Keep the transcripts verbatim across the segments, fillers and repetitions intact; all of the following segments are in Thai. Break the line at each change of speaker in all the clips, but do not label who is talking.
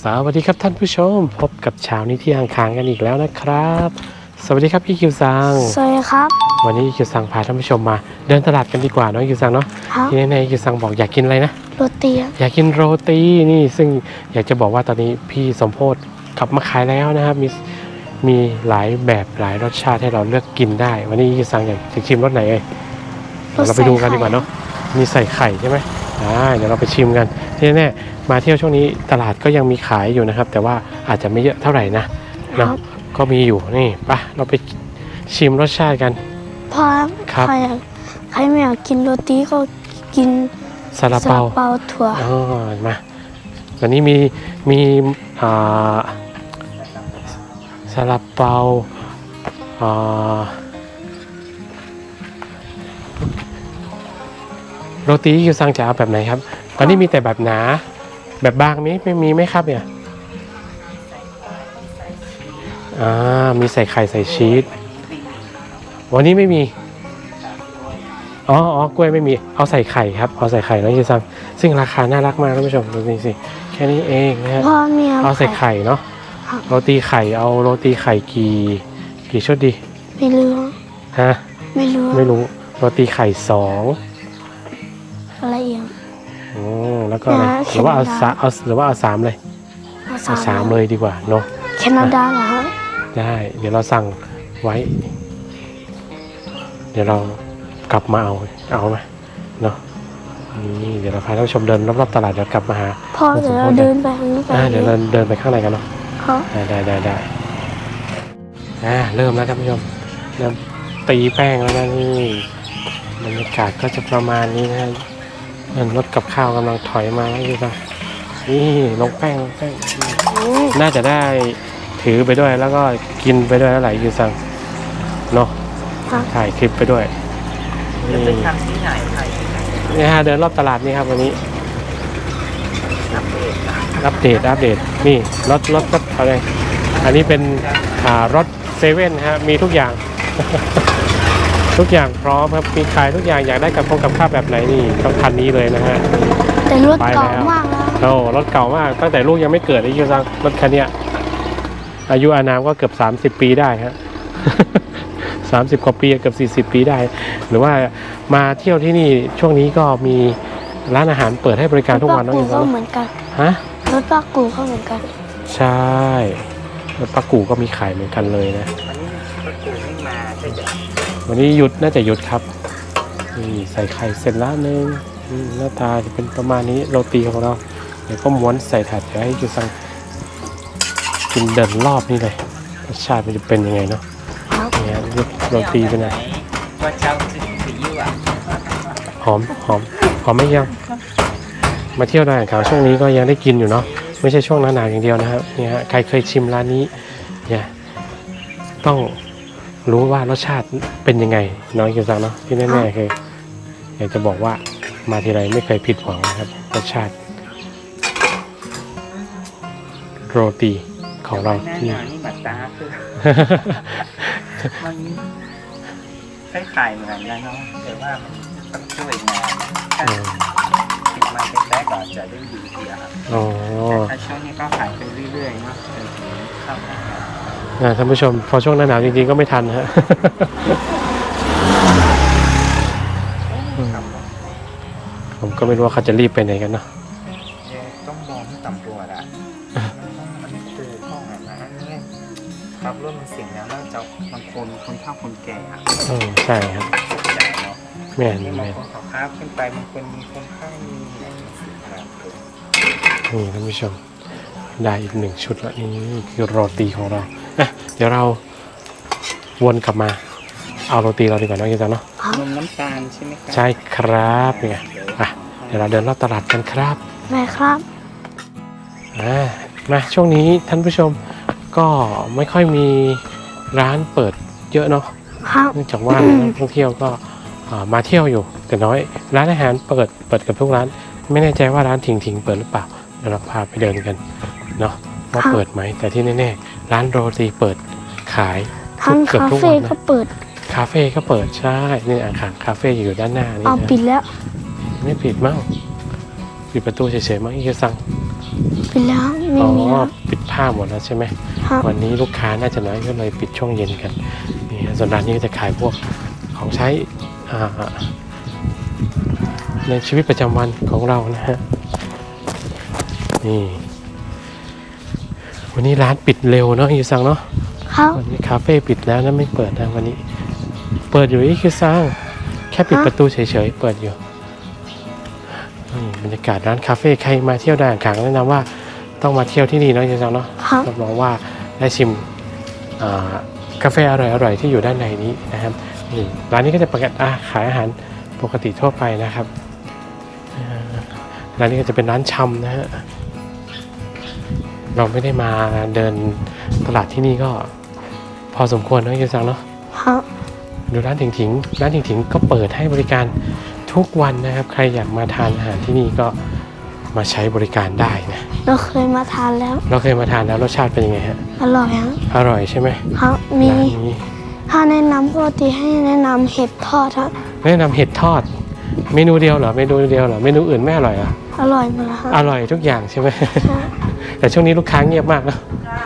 สวัสดีครับท่านผู้ชมพบกับเช้านี้ที่อ่างค้างกันอีกแล้วนะครับสวัสดีครับพี่คิวซัง
สวัสดีครับ
วันนี้คิวซังพาท่านผู้ชมมาเดินตลาดกันดีกว่าน้องคิวซังเนาะที่แน่ๆคิวซังบอกอยากกินอะไรนะ
โรตี
อยากกินโรตีนี่ซึ่งอยากจะบอกว่าตอนนี้พี่สมโพธิกลับมาขายแล้วนะครับมีมีหลายแบบหลายรสชาติให้เราเลือกกินได้วันนี้คิวซังอยากจะชิมรสไหนเอ่ยเราไปดูกันดีกว่าเนาะมีใส่ไข่ใช่ไหมอ่าเดี๋ยวเราไปชิมกันที่แน่ๆมาเที่ยวช่วงนี้ตลาดก็ยังมีขายอยู่นะครับแต่ว่าอาจจะไม่เยอะเท่าไหร่นะเนาะก็มีอยู่นี่ไปเราไปชิมรสชาติกัน
พอใครใครไม่อยากกินโรตีก็กิน
ซาลาเปา
เปาถั่ว
อ๋อมาวันนี้มีมีอ่าซาลาเปาอ่าโรตีคิวซังจะเอาแบบไหนครับตอนนี้มีแต่แบบหนาแบบบางมีไม่มีไหมครับเนี่ยอ่ามีใส่ไข่ใส่ชีสวันนี้ไม่มีอ๋ออ๋อกล้วยไม่มีเอาใส่ไข่ครับเอาใส่ไข่แล้วคิวซังซึ่งราคาน่ารักมากท่านผู้ชมดูนี่สิแค่นี้เองนะฮะเอาใส่ไข่เนาะโรตีไข่เอาโรตีไข่กี่กี่ชุดดี
ไม่รู้
ฮะ
ไม่รู้
ไม่รู้โรตีไข่สอง
อะไรอีก
โอ้แล้วก็อะไรหรือว่าเอาสามเอาหรือว่าเอาสามเลยเอาสามเลยดีกว่าเนาะ
แคนาดาเหรอฮะ
ได้เดี๋ยวเราสั่งไว้เดี๋ยวเรากลับมาเอาเอาไหมเนาะนี่เดี๋ยวเราพาท่านผู้ชมเดินรอบๆตลาดเดี๋ยวกลับมาหา
พ่อเดี๋ยวเราเดินไปข้างนี้ไป
เดี๋ยวเราเดินไปข้างในกันเนาะได้ได้ได้อ่าเริ่มแล้วท่านผู้ชมเริ่มตีแป้งแล้วนะนี่บรรยากาศก็จะประมาณนี้นะรถกับข้าวกำลังถอยมาแล้วดูป่ะนี่ลงแป้งลงแป้งน่าจะได้ถือไปด้วยแล้วก็กินไปด้วยแล้วไหลยูซังเนาะถ่ายคลิปไปด้วยนี่นี่ฮะเดินรอบตลาดนี่ครับวันนี้อัปเดตอัปเดตนี่รถรถรถอะไรอันนี้เป็นรถเซเว่นฮะมีทุกอย่างทุกอย่างพร้อมครับมีขายทุกอย่างอยากได้กับพงกับข้าวแบบไหนนี่ต้องคันนี้เลยนะฮะ
แต่รถเก่ามากนะ
โอ้รถเก่ามากตั้งแต่ลูกยังไม่เกิดไอ้ยูซังรถคันนี้อายุอานามก็เกือบสามสิบปีได้ฮะสามสิบกว่าปีเกือบสี่สิบปีได้หรือว่ามาเที่ยวที่นี่ช่วงนี้ก็มีร้านอาหารเปิดให้บริการทุกวัน
น้องยูซังก็เหมือนกัน
ฮะ
รถปลากูก็เหมือนกัน
ใช่รถปลากูก็มีขายเหมือนกันเลยนะวันนี้หยุดน่าจะหยุดครับนี่ใส่ไข่เสร็จแล้วนึงหน้าตาจะเป็นประมาณนี้โรตีของเราเดี๋ยวก็ม้วนใส่ถาดเดี๋ยวให้ยูซังกินเดินรอบนี่เลยรสชาติมันจะเป็นยังไงเนาะเนี่ยโรตีเป็นไงหอมหอมหอมไม่ยังมาเที่ยวได้ข่าวช่วงนี้ก็ยังได้กินอยู่เนาะไม่ใช่ช่วงหน้าหนาวอย่างเดียวนะครับเนี่ยฮะใครเคยชิมร้านนี้เนี่ยต้องรู้ว่ารสชาติเป็นยังไงน้อยกินซังเนาะที่แน่ๆคืออยากจะบอกว่ามาทีไรไม่เคยผิดหวังนะครับรสชาติโรตีของเราที่นี่บัตตาคือ
มันคล้ายๆเหมือนกันนะเนาะแต่ว่ามันต้องช่วยงานถ้าติดมาเป็นแรกก็จะได้ดีทีครับแต่ถ้าช่วงนี้ก็ขายไปเรื่อยๆเนาะจนถึงเข้าหน้า
ท่านผู้ชมพอช่วงหน้าหนาวจริงๆก็ไม่ทันฮะผมก็ไม่รู้ว่าเขาจะรีบไปไหนกันเนาะ
ต้องมองที่ต่ำตัวละมันคือห้องอะไรนะเนี่ยครับเริ่มมันเสียงแล้วแล้วจะบางคนคนเฒ่าคนแก่อ่ะ
อืมใช่ครับแม่น
แม่
น
ขอครับขึ้นไปบางคนมีคนไข้มีอะไรสิ่งต่างๆ
นี่ท่านผู้ชมได้อีกหนึ่งชุดแล้วนี่คือโรตีของเราเดี๋ยวเราวนกลับมาเอาโรตีเราดีกว่าน้องกินจังเนาะ
นมน้ำตาลใช่ไหมครับ
ใช่ครับเนี่ยอ่ะเดี๋ยวเราเดินรอบตลาดกันครับ
แม่ครับ
อ่ามาช่วงนี้ท่านผู้ชมก็ไม่ค่อยมีร้านเปิดเยอะเนาะเนื่องจากว่านักท่องเที่ยวก็มาเที่ยวอยู่แต่น้อยร้านอาหารเปิดเปิดกับทุกร้านไม่แน่ใจว่าร้านถิงถิงเปิดหรือเปล่าเดี๋ยวเราพาไปเดินกันเนาะว่าเปิดไหมแต่ที่แน่ๆร้านโรตีเปิดขาย
เกือบทุกวันนะคาเฟ่ก็เปิด
คาเฟ่ก็เปิดใช่นี่อาคารคาเฟ่อยู่ด้านหน้านี่
เอาปิดแล้ว
ไม่ปิดมั้งปิดประตูเฉยๆมั้งอีกสั่ง
ปิดแล้วไม่
อ๋อ
มีแล้ว
ปิดผ้าหมดแล้วใช่ไหม
ครับ
วันนี้ลูกค้าน่าจะน้อยก็เลยปิดช่วงเย็นกันนี่ฮะส่วนร้านนี้ก็จะขายพวกของใช้อ่าในชีวิตประจำวันของเรานะฮะนี่วันนี้ร้านปิดเร็วเนาะยูซังเนาะ
ครับ
วันนี้คาเฟ่ปิดแล้วนะไม่เปิดนะวันนี้เปิดอยู่อีกยูซังแค่ปิดประตูเฉยๆเปิดอยู่นี่บรรยากาศร้านคาเฟ่ใครมาเที่ยวด่านขางแนะนำว่าต้องมาเที่ยวที่นี่เนาะยูซังเนาะ
ครับ
รับรองว่าได้ชิมอ่ากาแฟอร่อยๆที่อยู่ด้านในนี้นะครับนี่ร้านนี้ก็จะประกาศอ่าขายอาหารปกติทั่วไปนะครับอ่าร้านนี้ก็จะเป็นร้านชำนะฮะเราไม่ได้มาเดินตลาดที่นี่ก็พอสมควรนะยูซังเนาะ
ครับ
ดูร้านถิงถิงร้านถิงถิงก็เปิดให้บริการทุกวันนะครับใครอยากมาทานอาหารที่นี่ก็มาใช้บริการได้นะ
เราเคยมาทานแล้ว
เราเคยมาทานแล้วรสชาติเป็นยังไงฮะ
อร่อยฮะ
อร่อยใช่ไหม
ครับมี
ร้านนี้
ถ้าแนะนำปกติให้แนะนำเห็ดทอดฮะ
แนะนำเห็ดทอดเมนูเดียวเหรอเมนูเดียวเหรอเมนูอื่นไม่อร่อยเหรอ
อร่อยหมดแล้วฮะ
อร่อยทุกอย่างใช่ไหม
ฮะ
แต่ช่วงนี้ลูกค้าเงียบมากนะ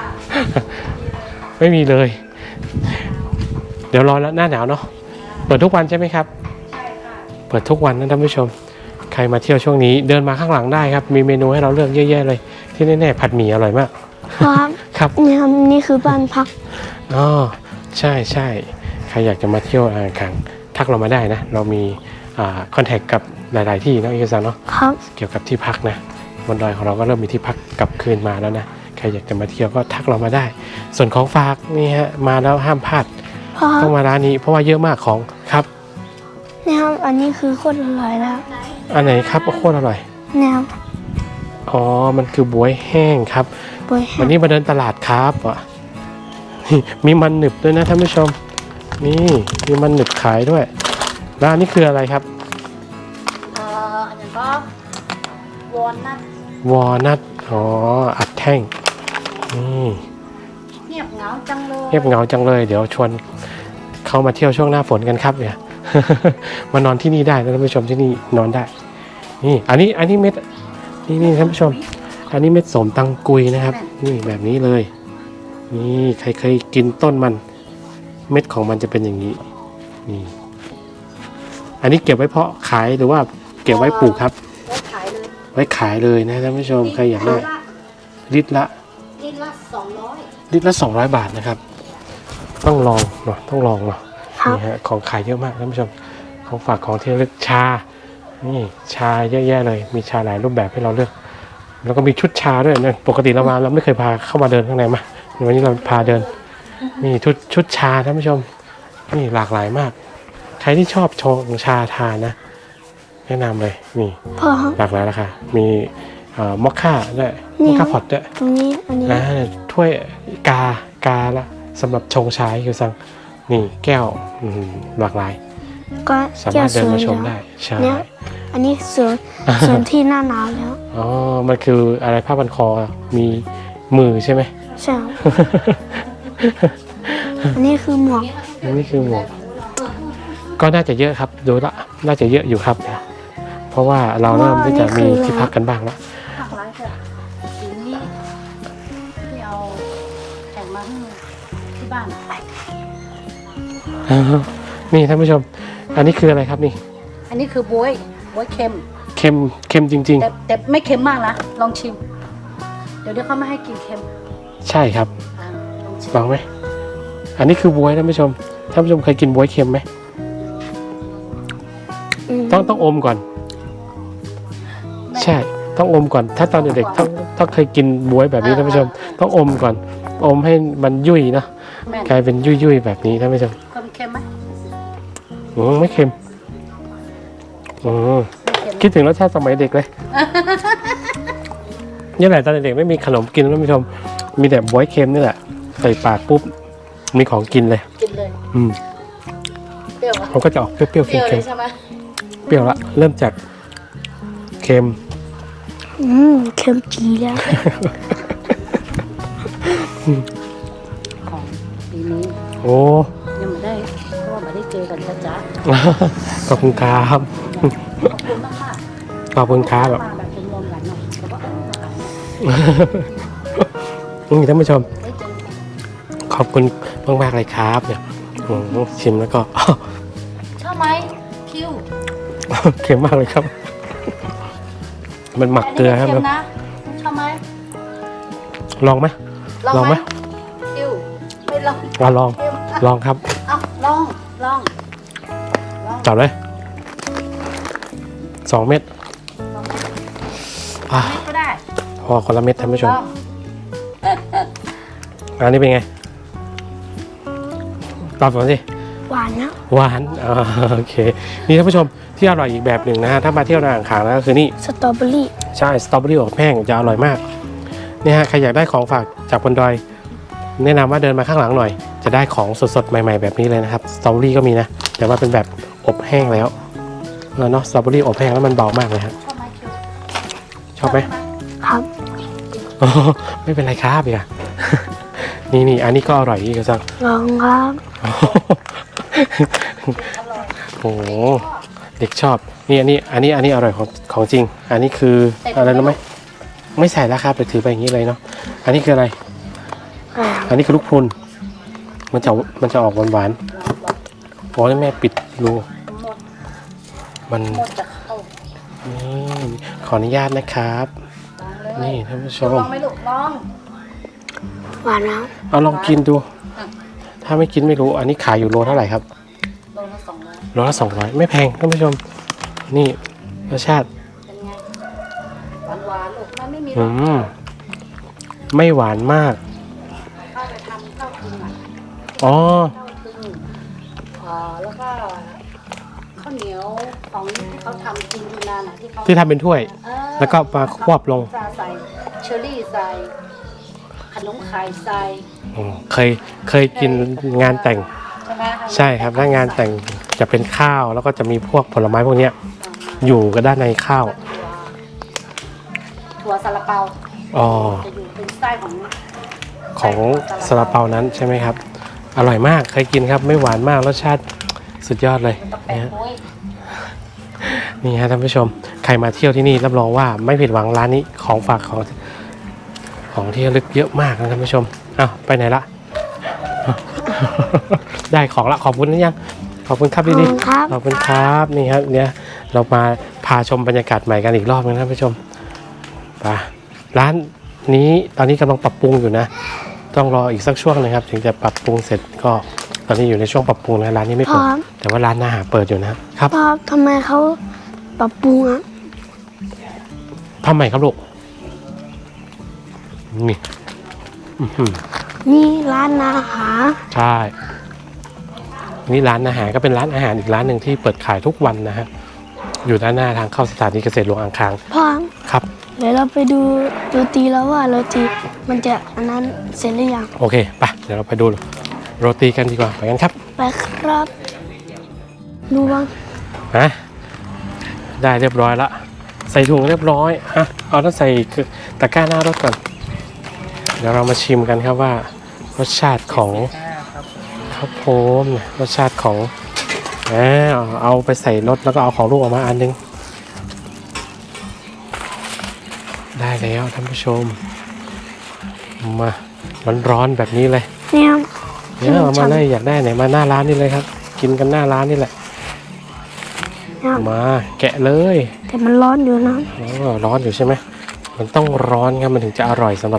ไม่มีเลย เดี๋ยวรอแล้วหน้าหนาวเนาะเปิดทุกวันใช่ไหมครับเปิดทุกวันนะท่านผู้ชมใครมาเที่ยวช่วงนี้เดินมาข้างหลังได้ครับมีเมนูให้เราเลือกเยอะแยะเลยที่แน่ๆผัดหมี่อร่อยมาก
ครับ
ครับ
นี่ครับนี่คือบ้านพัก
อ๋อใช่ใช่ใครอยากจะมาเที่ยวอ่างขางทักเรามาได้นะเรามีอ่าคอนแทคกับหลาย ๆ ที่เนาะเอกสารเนาะ
ครับ
เกี่ยวกับที่พักนะบนดอยของเราก็เริ่มมีที่พักกลับคืนมาแล้วนะใครอยากจะมาเที่ยวก็ทักเรามาได้ ส่วนของฝากนี่ฮะมาแล้วห้ามพลาด
เพราะ
ต้องมาร้านนี้เพราะว่าเยอะมากของครับ
เนี่ยครับอันนี้คือโคตรอร่อยแล้ว
อันไหนครับโคตรอร่อย
เนี่ยครับ
อ๋อมันคือบวยแห้งครับ
บวยแห้
วัน
ง
นี้มาเดินตลาดครับอ่ะนี่มีมันหนึบด้วยนะท่านผู้ชมนี่มีมันหนึบขายด้วยร้านนี้คืออะไรครับ
เอ่ออันนี้ก็วอนนัท
วอลนัทอ๋ออัดแท่งนี่
เงียบเหงาจังเลย
เงียบเหงาจังเลยเดี๋ยวชวนเขามาเที่ยวช่วงหน้าฝนกันครับเนี่ย มานอนที่นี่ได้นะท่านผู้ชมที่นี่นอนได้นี่อันนี้อันนี้เม็ดนี่นี่ท่านผู้ชม อันนี้เม็ดสมตังกุยนะครับ นี่แบบนี้เลย นี่ใครเคยกินต้นมัน เม็ดของมันจะเป็นอย่างนี้นี่อันนี้เก็บไว้เพาะขายหรือว่าเก็บไว้ปลูกครับ
ไว้ขายเลย
ไว้ขายเลยนะท่านผู้ชมใครอยากได้ลิตรละ
ลิตรละสองร้อย
ลิตรละสองร้อยบาทนะครับ ต้องลองเนาะต้องลองเนาะ
ครับ
นี่ฮะของขายเยอะมากท่านผู้ชมของฝากของที่ระลึกชานี่ชาเยอะแยะเลยมีชาหลายรูปแบบให้เราเลือก แล้วก็มีชุดชาด้วยนะปกติเรามาเราไม่เคยพาเข้ามาเดินข้างในมาวันนี้เราพาเดินนี่ชุดชุดชาท่านผู้ชมนี่หลากหลายมาก ใครที่ชอบชงชาทานนะ แนะนำเลยนี่
พอครับ
หลากหลายราคามีเอ่อมอคค่าด้วย
นี่
มอคค่าพอตด้วย
ตรงนี้อันนี้
นะถ้วยกากาละสำหรับชงชาคือสั่งนี่แก้วอืมหลากหลาย
ก็
สา
แก้
มาว รถ
ส
เดิน
วย
มาชม
แล้ว
ได้ใช่
เนี่ยอันนี้สวยสวยที่หน้าหนาวแล้ว
อ๋อมันคืออะไรผ้าพันคอมีมือใช่ไหม
ใช่ครับอันนี้คือหมวก
นี่คือหมวกก็น่าจะเยอะครับดูละน่าจะเยอะอยู่ครับ เพราะว่าเราเริ่มที่จะมีที่พักกันบ้างแล้ว
ผักไรเถอะสีนี้ที่เอาแข่งมาให้ที่บ้าน
นี่ท่านผู้ชม อันนี้คืออะไรครับนี่
อันนี้คือบวยบวยเค็ม
เค็มเค็มจริง
แต่แต่ไม่เค็มมากนะลองชิม เดี๋ยวเดี๋ยวเขาไม่ให้กินเค็ม
ๆ ใช่ครับ
อ่าลองชิม
ลองไหมอันนี้คือบวยท่านผู้ชมท่านผู้ชมเคยกินบวยเค็มไหม
อืม
ต้องต้องอมก่อน ใช่ต้องอมก่อน ถ้าตอนเด็กๆต้องต้องเคยกินบวยแบบนี้ท่านผู้ชม ต้องอมก่อน อมให้มันยุ่ยเนาะ
แม่น
กลายเป็นยุ่ยๆแบบนี้ท่านผู้ชม
เค็มเค็มไหม
อืมไม่เค็มอืม
ไม่เค็ม
คิดถึงรสชาติสมัยเด็กเลย นี่แหละตอนเด็กๆไม่มีขนมกินท่านผู้ชม มีแต่บวยเค็มนี่แหละใส่ปากปุ๊บมีของกินเลย
กินเลย
อืม
เปรี้ยวอะ
มันก็จะออกเปรี้ยวๆ
เปรี้ยวเล
เค็ม
ยใช่ไหม
ๆเปรี้ยวละเริ่มจากเค็ม
อืมเค็มจีแล้ว
ของปีนี้
โอ้
ยังไม่ได้เพราะว่าไม่ได้เจอกันจ้าจ้า
ขอบคุณครับ
ขอบคุณมากค่ะ
ขอบคุณครับแบบ
มาแบบรวมๆกันเนาะแต่ว่าเออมาขายเน
นี่ท่านผู้ชม
เฮ้ยจน
ขอบคุณมากๆเลยครับเนี่ยโอ้โหชิมแล้วก็
ชอบไหมคิว
เค็มมากเลยครับ มันหมักเกลือครับ
แต่นนี้ไม่เค็มนะชอบไหม
ลองไหม ลองไหม
คิวไม่ลอง
อ่ะลอง
เค็ม
ลองครับ
เอาลองลองลอง
จับเลยสองเม็ด
ลอง
อ่ะ
ไม่ก็ได้
พอคนละเม็ดท่านผู้ช
ล
ม
อง
อันนี้เป็นไงตอบก่อนสิ
หวานนะ
หวานอ่าโอเค นี่ท่านผู้ชมที่อร่อยอีกแบบหนึ่งนะฮะถ้ามาเที่ยวอ่างขางนะก็คือนี่
สตรอเบอรี่
ใช่สตรอเบอรี่อบแห้งจะอร่อยมากเนี่ยฮะใครอยากได้ของฝากจากบนดอย แนะนำว่าเดินมาข้างหลังหน่อย จะได้ของสดๆใหม่ๆแบบนี้เลยนะครับสตรอเบอรี่ก็มีนะแต่ว่าเป็นแบบอบแห้งแล้วเนาะสตรอเบอรี่อบแห้งแล้วมันเบามากเลยครับ
ชอบไหมคิว
ชอบไหม
ครับ
อ๋อไม่เป็นไรครับอย่า นี่นี่อันนี้ก็อร่อยอีกสัก
ลองครับ
อร่อย
โอ้โหเด็กชอบนี่อันนี้อันนี้อันนี้อร่อยของของจริง อันนี้คืออะไรรู้ไหมไม่ใส่แล้วครับไปถือไปอย่างนี้เลยเนาะอันนี้คืออะไร
อ่า
อันนี้คือลูกพรุนมันจะมันจะออกหวานหวานๆโอ้ยแม่ปิดรู
หมด
มัน
หมดจะเข้า
นี่ขออนุญาตนะครับ
ลองเลย
นี่ท่านผู้ช
ล
ม
องไหมลูกลอง
หวานนะ
เอาลองกินดู ถ้าไม่กินไม่รู้ อันนี้ขายอยู่โลเท่าไหร่ครับ
โลละสองร้อย
โลละสองร้อยไม่แพงท่านผู้ชม นี่รสชาติ
เป็นไงหวานหวานๆลูกมันไม่มีหร
อื
อก
มไม่หวานมาก
ข้าวไปทำข้าวกึ่งอ่ะ
อ๋อ
ข้าวกึ่งอ่าแล้วก็ข้าวเหนียวของที่เขาทำกินอยู่นานอ่ะที่เขา
ที่ทำเป็นถ้วย
เออ
แล้วก็มาควบลง
ใส่เชอร์รี่ใส่ขนมไข่ใส่
อืมเคยเคยกินงานแต่ง
ใช่ไหม
ใช่ครับถ้างานแต่งจะเป็นข้าวแล้วก็จะมีพวกผลไม้พวกเนี้ยอยู่กันด้านในข้าว
ถั่วซาลาเปา
อ๋อ
จะอยู่เป็นไส้ของ
ของซาลาเปานั้นใช่ไหมครับ อร่อยมากเคยกินครับไม่หวานมากรสชาติสุดยอดเลย
ตะแปะ
นะฮะ
โอ้ย
นี่ฮะท่านผู้ชมใครมาเที่ยวที่นี่รับรองว่าไม่ผิดหวังร้านนี้ของฝากของของที่ระลึกเยอะมากนะท่านผู้ชมอ้าวไปไหนละ ได้ของละขอบคุณนะยังขอบคุณครับ
ขอบ
ดี
คุณครับ
ๆขอบคุณครับนี่ครับเนี่ยเรามาพาชมบรรยากาศใหม่กันอีกรอบนึงนะท่านผู้ชมไปร้านนี้ตอนนี้กำลังปรับปรุงอยู่นะ ต้องรออีกสักช่วงนะครับ ถึงจะปรับปรุงเสร็จก็ตอนนี้อยู่ในช่วงปรับปรุงนะร้านนี้ไม่
พร้
เปิ
อ
ด
ม
แต่ว่าร้านอาหารเปิดอยู่นะครับครับ
พ่อทำไมเขาปรับปรุงอ่ะ
ทำไมครับลูกนี่อื้อหือ
นี่ร้านอาหาร
ใช่นี่ร้านอาหารก็เป็นร้านอาหารอีกร้านหนึ่งที่เปิดขายทุกวันนะฮะอยู่ด้านหน้าทางเข้าสถานีเกษตรหลวงอ่างขาง
พ่อ
ครับ
เดี๋ยวเราไปดูโรตีแล้วว่าโรตีมันจะอันนั้นเสร็จหรือยัง
โอเคไปเดี๋ยวเราไปดูโรตีกันดีกว่าไปกันครับ
ไปครับดูบ้าง
ฮะได้เรียบร้อยละใส่ถุงเรียบร้อยอ่ะเอาต้องใส่ตะกร้าหน้ารถก่อนเดี๋ยวเรามาชิมกันครับว่ารสชาติของ
ครับ
ข้าวโพดรสชาติของอ่าเอาไปใส่รถแล้วก็เอาของลูกออกมาอันนึงได้แล้วท่านผู้ชมมาร้อนๆแบบนี้เลย
เนี่ย
เนี่ยเอามาเลยอยากได้ไหนมาหน้าร้านนี่เลยครับ กินกันหน้าร้านนี่แหละ
เนี่ย
มาแกะเลย
แต่มันร้อนอยู่นะ
อ๋อร้อนอยู่ใช่ไหมมันต้องร้อนครับมันถึงจะอร่อยสำหรับ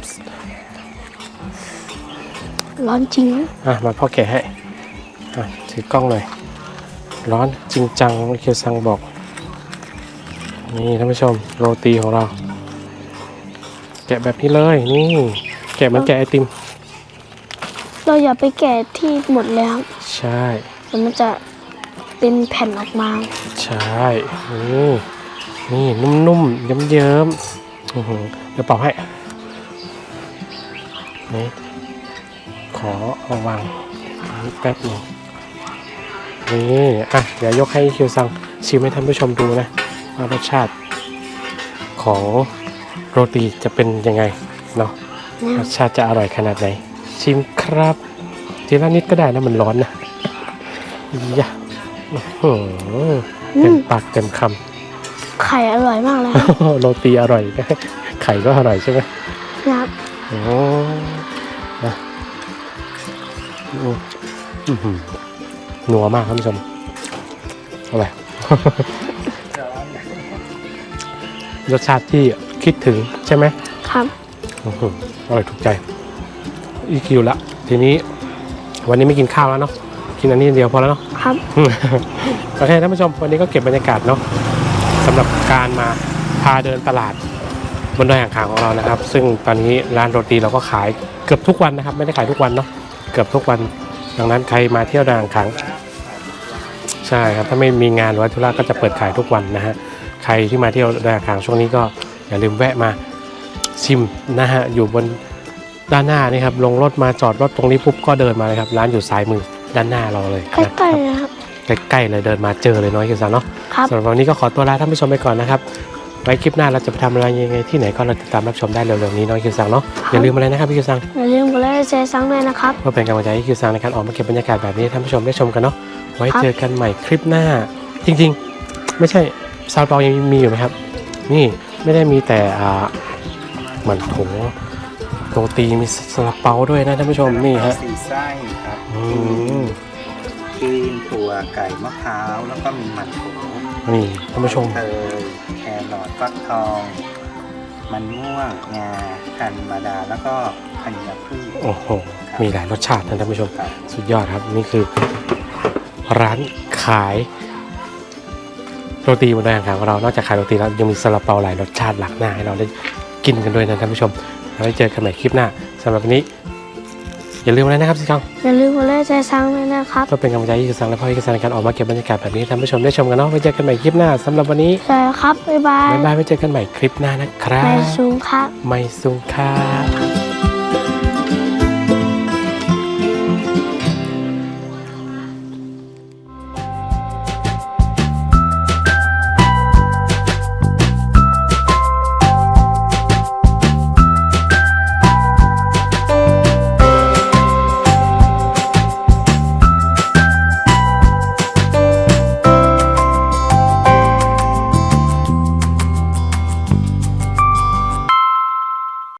ร้อนจริง
อ่ะมาพ่อแกะให้อ่ะถือกล้องเลยร้อนจริงจังเคียวซังบอกนี่ท่านผู้ชมโรตีของเรา แกะแบบนี้เลยนี่แกะเหมันแกะไอติม
เราอย่าไปแกะที่หมดแล้ว
ใช่
เดี๋ยวมันจะเป็นแผ่นออกมา
ใช่นี่นี่นุ่มๆเยิ้มๆอื้อหือเดี๋ยวเป่าให้นี่ขอเอาวางนี่แป๊บหนึงนี่อ่ะเดี๋ยวยกให้คิวซังชิมให้ท่านผู้ชมดูนะว่ารสชาติของโรตีจะเป็นยังไงเนาะ
เนี่ย
รสชาติจะอร่อยขนาดไหน ชิมครับทีละนิดก็ได้นะมันร้อนนะยะอื้อหือเต็มปากเต็มค
ไข่อร่อยมากเลย
ำ โรตีอร่อย ไข่ก็อร่อยใช่ไหมโอ้นะอือหือนัวมากท่านผู้ชมเอาไป รสชาติที่คิดถึงใช่ไหม
ครับ
อื้อหืออร่อยถูกใจอีคิวละทีนี้วันนี้ไม่กินข้าวแล้วเนาะกินอันนี้เดียวพอแล้วเนาะ
ครับ
โอเคท่านผู้ชมวันนี้ก็เก็บบรรยากาศเนาะสำหรับการมาพาเดินตลาดบนดอยอ่างขางของเรานะครับ ซึ่งตอนนี้ร้านโรตีเราก็ขายเกือบทุกวันนะครับ ไม่ได้ขายทุกวันเนาะเกือบทุกวันดังนั้นใครมาเที่ยวดอยอ่างขางใช่ครับถ้าไม่มีงานหรือว่าธุระก็จะเปิดขายทุกวันนะฮะใครที่มาเที่ยวดอยอ่างขางช่วงนี้ก็อย่าลืมแวะมาชิมนะฮะอยู่บนด้านหน้านี่ครับลงรถมาจอดรถตรงนี้ปุ๊บก็เดินมาเลยครับร้านอยู่ซ้ายมือด้านหน้าเราเลย
ใกล้ๆนะครับ
ใกล้ๆเลยเดินมาเจอเลยน้อยคิวซังเนาะ
ครับ
สำหรับวันนี้ก็ขอตัวลาท่านผู้ชมไปก่อนนะครับไว้คลิปหน้าเราจะไปทำอะไรยังไงที่ไหนก็เราติดตามรับชมได้เร็วๆนี้น้อยคิวซังเนาะอย่าลืมอะไรนะครับพี่คิวซัง
อย่าลืมกดไลค์แชร์ซังด้วยนะครับ
เพื่อเป็นกำลังใจให้คิวซังในการออกมาเก็บบรรยากาศแบบนี้ให้ท่านผู้ชมได้ชมกันเนาะไว้
ครับ
เจอกันใหม่คลิปหน้า จริงๆ ไม่ใช่ซาลาเปายังมีอยู่ไหมครับนี่ไม่ได้มีแต่อ่าเหมือนโถโรตีมีซาลาเปาด้วยนะท่านผู้ชมนี่ฮะ
สี่ไส้ครับ
อืม
ครีมถั่วไก่มะพร้าวแล้วก็มีมันโถ
นี่ท่านผู้ชม
เตยแครอทฟักทอง มันม่วงงากันมาดาแล้วก็ธัญพืช
โอ้โหมีหลายรสชาตินะท่านผู้ชม
ครับ
สุดยอดครับนี่คือร้านขายโรตีบนดอยอ่างขางของเรานอกจากขายโรตีแล้วยังมีซาลาเปาหลายรสชาติหลากหน้าให้เราได้กินกันด้วยนะท่านผู้ชมแล้วไว้เจอกันใหม่คลิปหน้าสำหรับวันนี้อย่าลืมอะไรนะครับสิครับ
อย่าลืมกดไลค์แชร์ซังด้วยนะครับ
ก็เป็นกำลังใจให้คิวซังและพ่อคิวซังในการออกมาเก็บบรรยากาศแบบนี้ให้ท่านผู้ชมได้ชมกันเนาะไว้เจอกันใหม่คลิปหน้าสำหรับวันนี้
ใช่ครับ บ๊ายบาย
บ๊ายบายไว้เจอกันใหม่คลิปหน้านะครับ
ไม่สูงครับ
ไม่สุงครับ